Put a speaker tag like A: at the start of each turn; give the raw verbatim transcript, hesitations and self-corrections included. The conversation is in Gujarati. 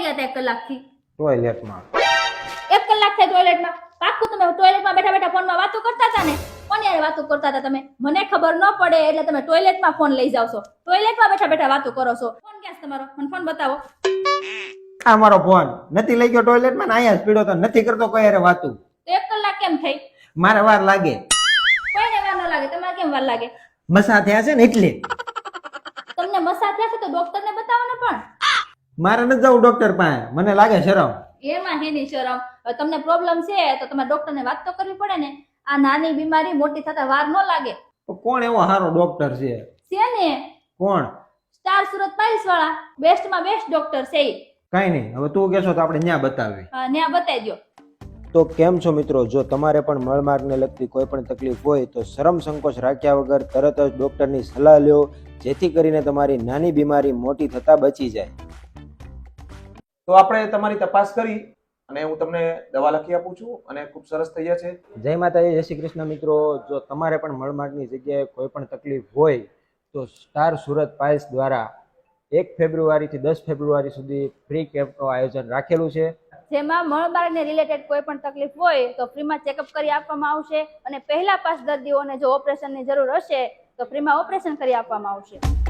A: ક્યાં ગયા હતા એક કલાકથી?
B: ટોયલેટમાં.
A: એક કલાક થાય ટોયલેટમાં? પાક્કું તમે ટોયલેટમાં બેઠા બેઠા ફોનમાં વાતો કરતા હતા ને? કોની યાર વાતો કરતા હતા તમે? મને ખબર ન પડે એટલે તમે ટોયલેટમાં ફોન લઈ જાવ છો, ટોયલેટમાં બેઠા બેઠા વાતો કરો છો. ફોન ક્યાં છે તમારો? મને ફોન બતાવો.
B: આ મારો ફોન નથી લઈ ગયો ટોયલેટમાં ને અહીંયા જ પીડ્યો તો નથી કરતો કોઈ હારે વાતું.
A: તો એક કલાક કેમ થઈ?
B: મારે વાર લાગે.
A: કોઈને વાર ન લાગે, તમારે કેમ વાર લાગે?
B: મસા થયા છે ને એટલે.
A: તમને મસા થયા છે તો ડોક્ટરને બતાવો ને. પણ
B: મારે નથી જવું ડોક્ટર પાસે, મને લાગે શરમ.
A: એમાં હેની શરમ? હવે તમને પ્રોબ્લેમ છે તો તમારે ડોક્ટરને વાત તો કરવી પડે ને. આ નાની બીમારી મોટી થતા વાર ન લાગે.
B: તો કોણ એવો સારો ડોક્ટર છે?
A: છે ને
B: કોણ?
A: સ્ટાર સુરત પાઇલ્સ વાળા, બેસ્ટમાં બેસ્ટ ડોક્ટર છે ઈ.
B: કઈ નહીં, હવે તું કહેશો તો આપણે ન્યા બતાવી.
A: હા, ન્યા બતાવી દો.
B: તો કેમ છો મિત્રો, જો તમારે પણ મળમાર્ગને લગતી કોઈ પણ તકલીફ હોય તો શરમ સંકોચ રાખ્યા વગર તરત જ ડોક્ટરની સલાહ લ્યો, જેથી કરીને તમારી નાની બીમારી મોટી થતા બચી જાય.
C: તો આપણે તમારી તપાસ કરી અને હું તમને દવા લખી આપું છું અને ખૂબ સરસ થઈ જશે.
B: જય માતાજી, જય શ્રી કૃષ્ણ મિત્રો. જો તમારે પણ મળમાર્ગની જગ્યાએ કોઈ પણ તકલીફ હોય તો સ્ટાર સુરત પાઇલ્સ દ્વારા એક ફેબ્રુઆરીથી દસ ફેબ્રુઆરી સુધી ફ્રી કેમ્પનું આયોજન રાખેલું છે,
A: જેમાં મળમાર્ગને રિલેટેડ કોઈ પણ તકલીફ હોય તો ફ્રીમાં ચેકઅપ કરી આપવામાં આવશે અને પહેલા પાંચ દર્દીઓને જો ઓપરેશનની જરૂર હશે તો ફ્રીમાં ઓપરેશન કરી આપવામાં આવશે.